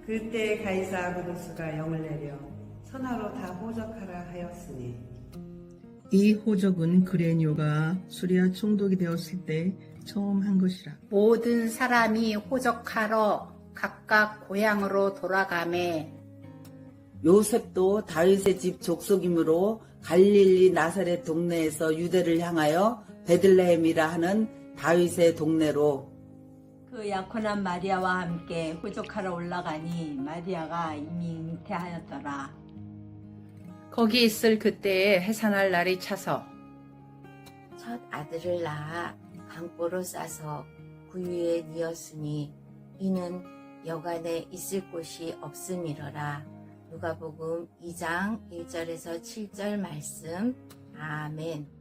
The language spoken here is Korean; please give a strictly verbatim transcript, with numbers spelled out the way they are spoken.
그때 가이사 아그누스가 영을 내려 선하로 다 호적하라 하였으니 이 호적은 그레뇨가 수리아 총독이 되었을 때 처음 한 것이라. 모든 사람이 호적하러 각각 고향으로 돌아가매 요셉도 다윗의 집 족속이므로 갈릴리 나사렛 동네에서 유대를 향하여 베들레헴이라 하는 다윗의 동네로 그 약혼한 마리아와 함께 호적하러 올라가니 마리아가 이미 잉태하였더라. 거기 있을 그때에 해산할 날이 차서 첫 아들을 낳아 강보로 싸서 구유에 뉘었으니 이는 여간에 있을 곳이 없음이러라. 누가복음 이 장 일 절에서 칠 절 말씀. 아멘.